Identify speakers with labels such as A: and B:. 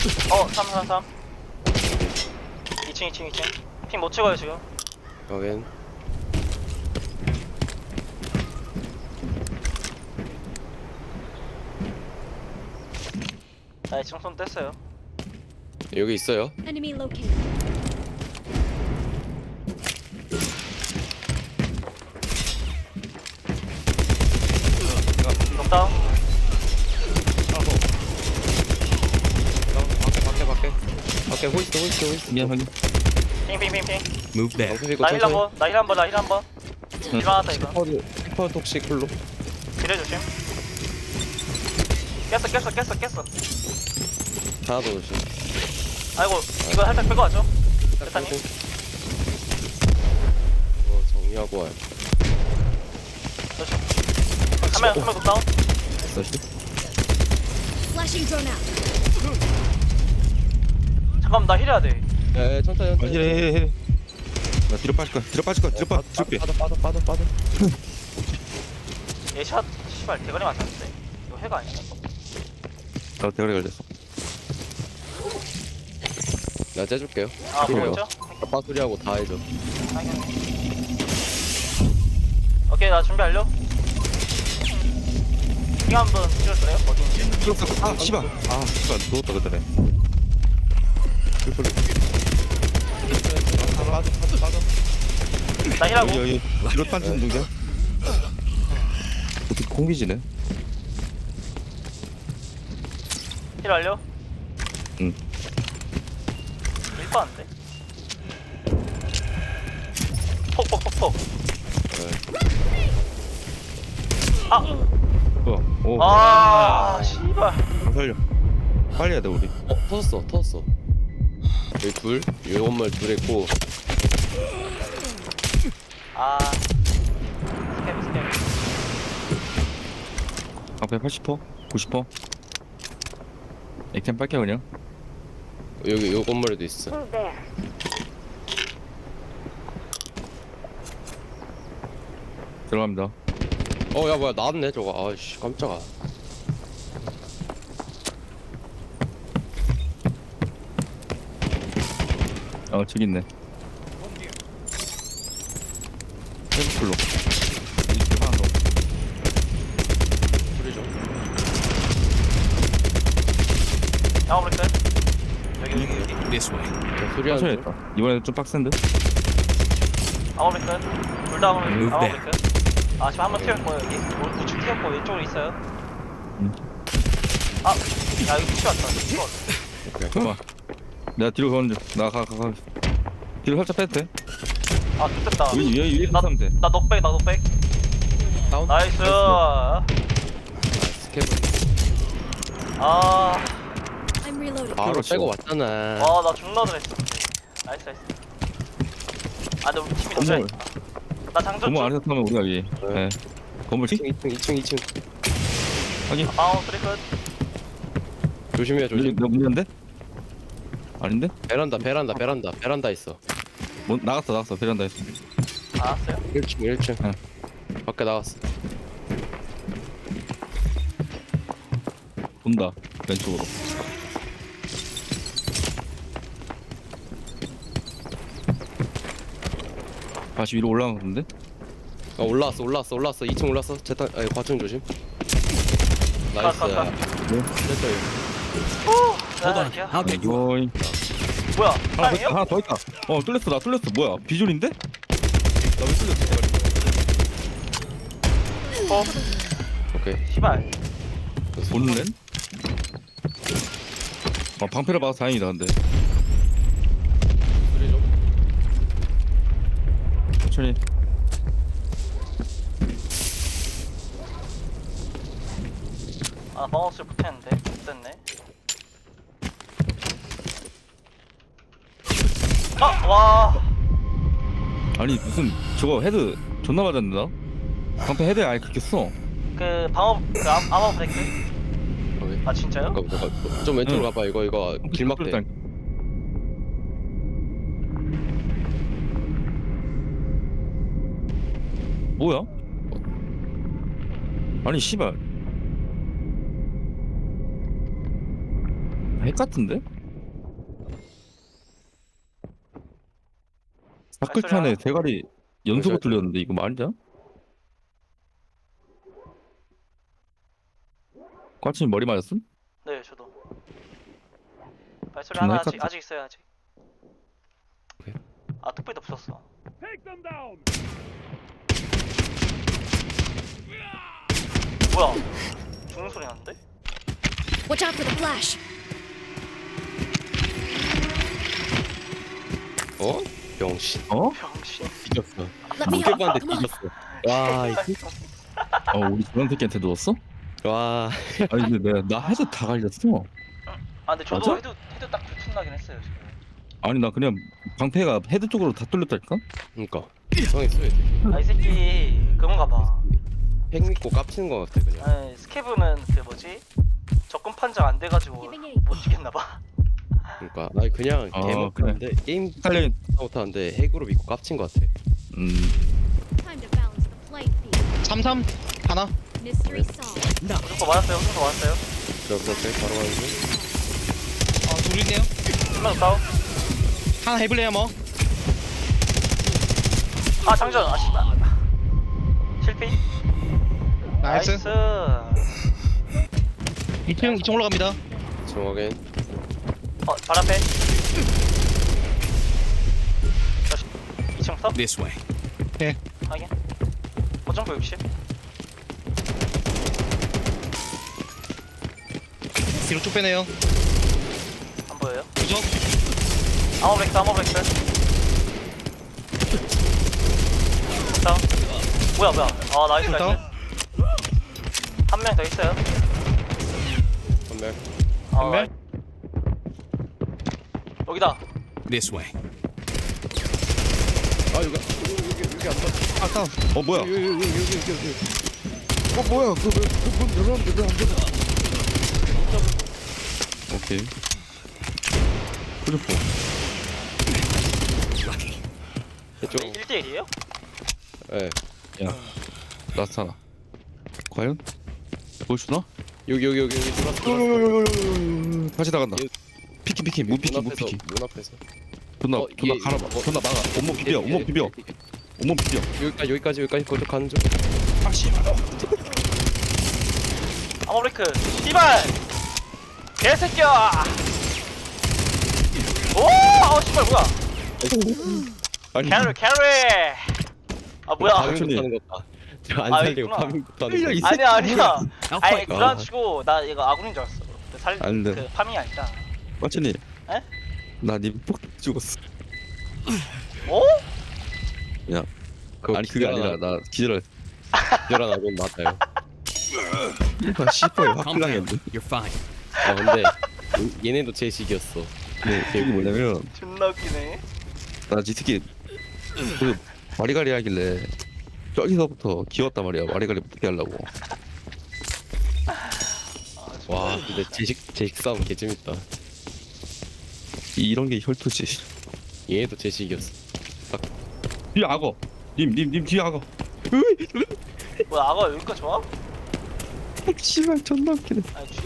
A: 333 2층 핑 못 찍어요 지금.
B: 여긴
A: 나 2층 손 뗐어요.
B: 여기 있어요.
C: Enemy located.
A: 녹다운.
B: 밖에 호이스트.
D: 미안 확인.
A: 핑핑핑핑.
D: Move back.
B: 방패 이거
A: 나 힐
B: 천천히.
A: 한번 나 힐 한번. 일어났다 이거.
B: 히퍼 톡식 쿨로.
A: 기대 조심. 깼어.
B: 하나 더 조심.
A: 아이고 이거 살짝 빼고 왔죠? 대타님.
B: 이거 정리하고 와요.
A: 조심. 한명 녹다운.
D: 다시.
C: Flashing drone out.
A: 잠깐만 나 힐해야 돼.
B: 예, 천천히.
D: 해. 나 뒤로 빠질 거야. 뒤로 빼.
B: 빠져.
A: 얘샷 씨발 대가리 맞았는데. 이거 해가 아니야.
D: 나 대가리 걸렸어.
B: 내가 째줄게요.
A: 아
B: 그래요?
A: 보였죠?
B: 아빠 소리하고 다 해줘.
A: 오케이 나 준비 완료. 이거 한번 찍어줄래요? 어딘지.
D: 아 씨발. 누웠다 그때네.
A: 나 힐하고.
D: 여기 뒤로 빠지는 동작. 어떻게 공기지네?
A: 힐 완료.
D: 응.
A: 1번인데. 폭. 아!
D: 뭐야? 오.
A: 아, 씨발.
D: 살려. 빨리 해야 돼 우리.
B: 터졌어. 여기 둘, 요 건물 둘 있고.
A: 아. 스캠.
D: 앞에 80%, 90%. 액템 빨게 그냥.
B: 여기 요 건물에도 있어.
D: 들어갑니다.
B: 야 뭐야 나왔네 저거. 아씨 깜짝아.
D: 저기 있네. 템플로. 하나 더.
B: 소리 좀.
A: 양호 브레이크. 여기.
B: 소리
D: 천천히
B: 하는 중.
D: 했다. 이번에는 좀 빡센데?
A: 양호 브레이크. 둘다 양호
D: Move back.
A: 브레이크. 아 지금 한번 튀었고 여기. 우측 튀었고 왼쪽으로 있어요. 아, 야 이거 튀었다.
D: 잠깐만. 내가 뒤로 가는 중. 가. 뒤로 살짝 빼도 돼.
A: 아 좋겠다.
D: 위에 하면 돼.
A: 나 넉백.
B: 다운.
A: 나이스.
B: 스캡은
A: 아.
C: I'm reloading.
B: 바로
D: 그렇죠.
B: 빼고 왔잖아.
A: 나 존나 잘했어. 나이스. 아 근데 우리 팀이 너무 잘했다. 나 장전
D: 건물
A: 중.
D: 안에서 타면 우리가 위. 네. 건물 치?
B: 2층.
D: 확인.
A: 소리 끝.
B: 조심해.
D: 내가 문제인데? 아닌데?
B: 베란다 있어.
D: 나갔어. 베란다에서.
A: 알았어요.
B: 1층.
D: 응.
B: 밖에 나갔어.
D: 본다. 왼쪽으로. 다시 위로 올라간 건데?
B: 올라왔어. 2층 올랐어. 재탄 과층 조심. 나이스.
A: 가.
B: 됐다 이거.
A: Hold on.
D: 이거이.
A: 뭐야?
D: 하나
A: 사람이에요?
D: 더 있다. 뚫렸어. 나 뚫렸어. 뭐야? 비줄인데? 나 왜 뚫렸어?
B: 오케이.
A: 시발.
D: 보는 렌? 방패를 받아서 다행이다 근데.
B: 소리 좀.
D: 천천히.
A: 아 마우스 붙였는데 됐네. 와.
D: 아니 무슨 저거 헤드 존나 맞았는데 나? 방패 헤드에 아예 그렇게 써.
A: 그 방어 아머 브레이크.
B: 오케이.
A: 아 진짜요?
B: 잠깐. 좀 왼쪽으로
D: 응.
B: 가봐. 이거 길막대.
D: 뭐야? 아니 씨발 핵 같은데? 끝칸에 대가리 연속으로 뚫렸는데 이거 말이야? 꽈치님 머리 맞았음?
A: 네 저도. 발소리
D: 존나
A: 하나
D: 헷갈려.
A: 아직 있어요 아직.
B: 오케이.
A: 아 뚝배도 없었어. 뭐야? 죽는 소리 나는데?
C: Watch out for the flash.
B: 어? 병신
D: 어?
A: 병신.
B: 뒤졌어.
C: Let me help.
B: 무게반대
C: Come on.
B: 뒤졌어. 와 이거
D: 우리 저런 새끼한테 누웠어?
B: 와
D: 아니 근데 나 헤드 다 갈렸어.
A: 아 근데 저도
D: 맞아?
A: 헤드 딱 붙은다긴 했어요 지금.
D: 아니 나 그냥 방패가 헤드 쪽으로 다 뚫렸다니까?
B: 그러니까 이상했어.
A: 아 이 새끼 그건가 봐.
B: 핵 믿고 깝치는 거 같아 그냥.
A: 아 스케브는 그 뭐지? 접근 판정 안 돼가지고 못 죽겠나 봐.
B: 그러니까 아니 그냥
D: 아,
B: 개못하는데 게임
D: 헷갈려.
B: 못하는데 핵으로 믿고 깝친 거 같아.
C: Time to balance the playing field.
E: 33 하나.
C: Mystery solved.
A: 무슨 거 맞았어요? 무슨 거 맞았어요?
B: 그렇게 바로 가는 중.
E: 둘 있네요.
A: 한명 다운.
E: 하나 해볼래요 뭐?
A: 아 장전. 아 씨발. 실패.
E: 나이스.
A: 나이스.
E: 2층 올라갑니다.
B: 정확엔
A: 발 앞에. 2층 서?
F: This way.
A: 확인. 고정부 60.
E: 뒤로 쭉 빼네요.
A: 안 보여요?
E: 부적.
A: 아머브렉스 아머브렉스. 다운. 뭐야 아 나이스
E: 다운.
A: 나이스. 한 명 더 있어요.
B: 선멸.
A: 한
E: 명?
A: 여기다.
F: This way.
B: 아 여기 안 봐.
E: 아 다운.
D: 뭐야?
B: 여기.
D: 뭐야? 그문 열었는데 왜안 닫아? 오케이. 그래프.
F: Lucky.
B: 이쪽.
A: 1대1이에요?
B: 예.
D: 라스트 하나. 과연? 보여주나?
B: 여기 들어왔어.
D: 다시 나간다.
B: 얘-
D: 피키 무피키 무피키.
B: 문 앞에서.
D: 존나
B: 얘-
D: 갈아봐.
B: 어,
D: 존나 막아. 온몸 비벼. 온몸 비벼. 온몸 비벼.
B: 여기까지 거기 가는 중.
D: 아 씨발.
A: 아머브레이크. 씨발. 개새끼야. 오! 씨발 뭐야?
D: 아니
A: 캐리. 아 뭐야?
D: 천천히.
B: 파밍 못하는 것 봐. 저안
A: 아,
B: 살리고
A: 있구나.
B: 파밍 못하는
D: 이
B: 거.
A: 아니야 아니야.
F: I'll
A: 아니
F: fight.
A: 그런 치고 나 이거 아군인 줄 알았어.
D: 안 돼.
A: 그 파밍이 아니라.
D: 마천이.
A: 에?
D: 나님폭 죽었어.
A: 오?
D: 야. 아니 그게 아니라 나 기절했어.
B: 기절한 아군 맞아요.
D: 아 씨발
F: Calm down.
D: 확실하겠는데.
F: You're fine.
B: 아 근데 얘네도 제식이었어.
D: 이게 뭐냐면
A: 존나 웃기네.
D: 나 지특히 그 와리가리 하길래 저기서부터 기웠단 말이야. 와리가리 어떻게 하려고.
B: 와 근데 제식 싸움 개재밌다.
D: 이런 게 혈투지.
B: 얘네도 제식이었어.
D: 뒤에 악어. 님 뒤에 악어.
A: 뭐야 악어 여기까지 와?
D: 씨발 존나 웃기네.
A: 아니 죽여.